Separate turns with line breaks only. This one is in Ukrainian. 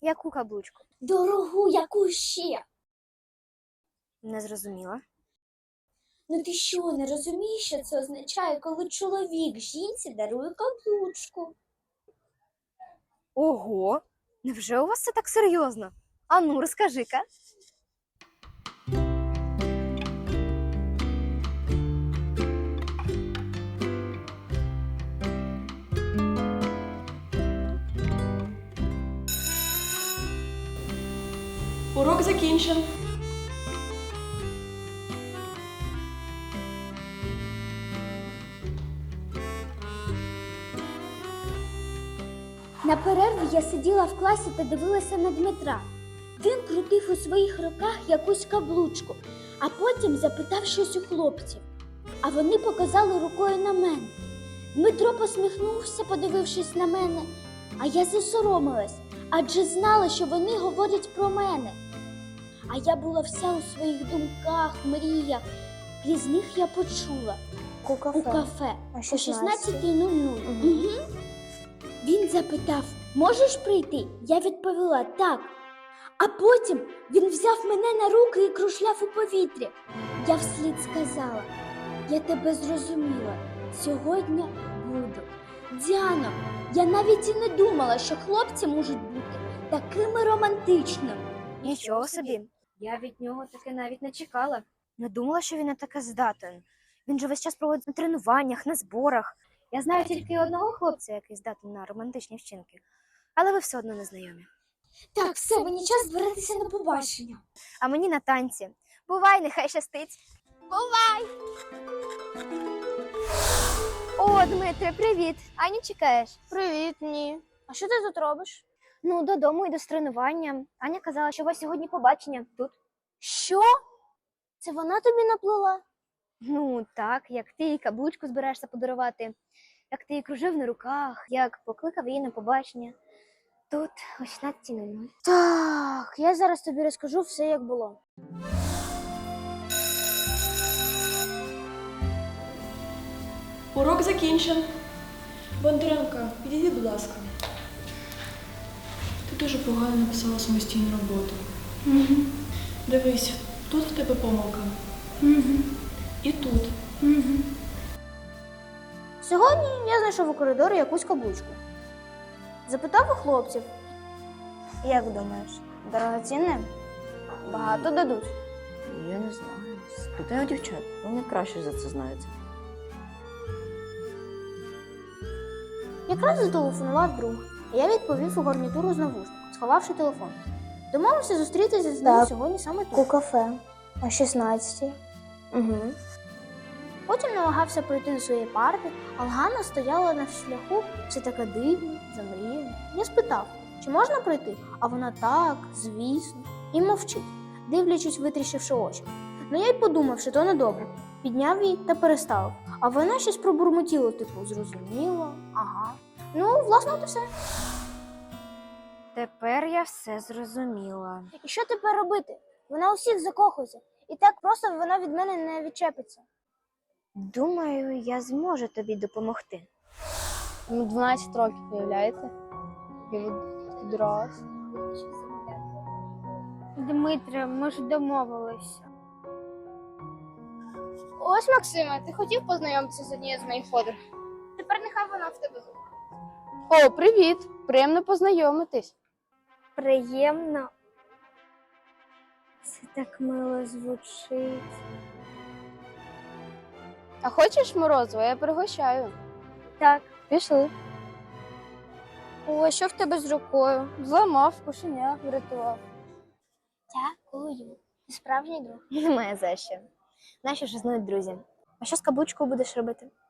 Яку каблучку?
Дорогу, яку ще?
Не зрозуміла.
Ну ти що, не розумієш, що це означає, коли чоловік жінці дарує каблучку?
Ого! Невже у вас це так серйозно? А ну, розкажи-ка.
Урок закінчен.
На перерві я сиділа в класі та дивилася на Дмитра. Він крутив у своїх руках якусь каблучку, а потім запитав щось у хлопців. А вони показали рукою на мене. Дмитро посміхнувся, подивившись на мене, а я засоромилась, адже знала, що вони говорять про мене. А я була вся у своїх думках, мріях. Крізь них я почула. У кафе. О 16:00. Угу. Він запитав, можеш прийти? Я відповіла, так. А потім він взяв мене на руки і кружляв у повітрі. Я вслід сказала, я тебе зрозуміла, сьогодні буду. Діано, я навіть і не думала, що хлопці можуть бути такими романтичними.
Нічого собі. Я від нього таки навіть не чекала. Не думала, що він на таке здатен. Він же весь час проводить на тренуваннях, на зборах. Я знаю тільки одного хлопця, який здатен на романтичні вчинки. Але ви все одно не знайомі.
Так, все, мені час збиратися на побачення.
А мені на танці. Бувай, нехай щастить. Бувай! О, Дмитре, привіт! Аню чекаєш?
Привіт, ні. А що ти тут робиш?
Ну, додому йду з тренування. Аня казала, що у вас сьогодні побачення тут.
Що? Це вона тобі наплела?
Ну, так, як ти їй каблучку збираєшся подарувати, як ти її кружив на руках, як покликав її на побачення. Тут о 16:00.
Так, я зараз тобі розкажу все, як було.
Урок закінчен. Бондаренко, підійди, будь ласка. Ти дуже погано написала самостійну роботу.
Угу.
Дивись, тут в тебе помилка.
Угу.
І тут.
Угу.
Сьогодні я знайшов у коридорі якусь каблучку. Запитав у хлопців. Як думаєш, дорогоцінне? Багато дадуть.
Я не знаю. Спитай у дівчат, вони краще за це знаються.
Якраз зателефонував друг, і я відповів у гарнітуру з навушнику, сховавши телефон. Домовився зустрітися з ним сьогодні саме тут.
У кафе о 16:00.
Угу. Потім намагався пройти до своєї парти, а Ганна стояла на шляху, все така дивна, замріяна. Я спитав, чи можна пройти, а вона так, звісно, і мовчить, дивлячись, витріщивши очі. Ну я й подумав, що то недобре. Підняв її та переставив, а вона щось пробурмотіла, типу, зрозуміло, ага. Ну, власне, от і все.
Тепер я все зрозуміла.
І що тепер робити? Вона у всіх закохується, і так просто вона від мене не відчепиться.
Думаю, я зможу тобі допомогти.
Йому 12 років, виявляєте? Він підрос.
Дмитре, ми ж домовилися.
Ось, Максиме, ти хотів познайомитися з однією з моїх подруг?
Тепер нехай вона в тебе.
О, привіт! Приємно познайомитись.
Приємно. Це так мило звучить.
А хочеш морозиво? Я пригощаю.
Так.
Пішли.
О, що в тебе з рукою?
Зламав, кошеня врятував.
Дякую. Ти справжній друг.
Немає за що. Наші ж знають друзі. А що з каблучкою будеш робити?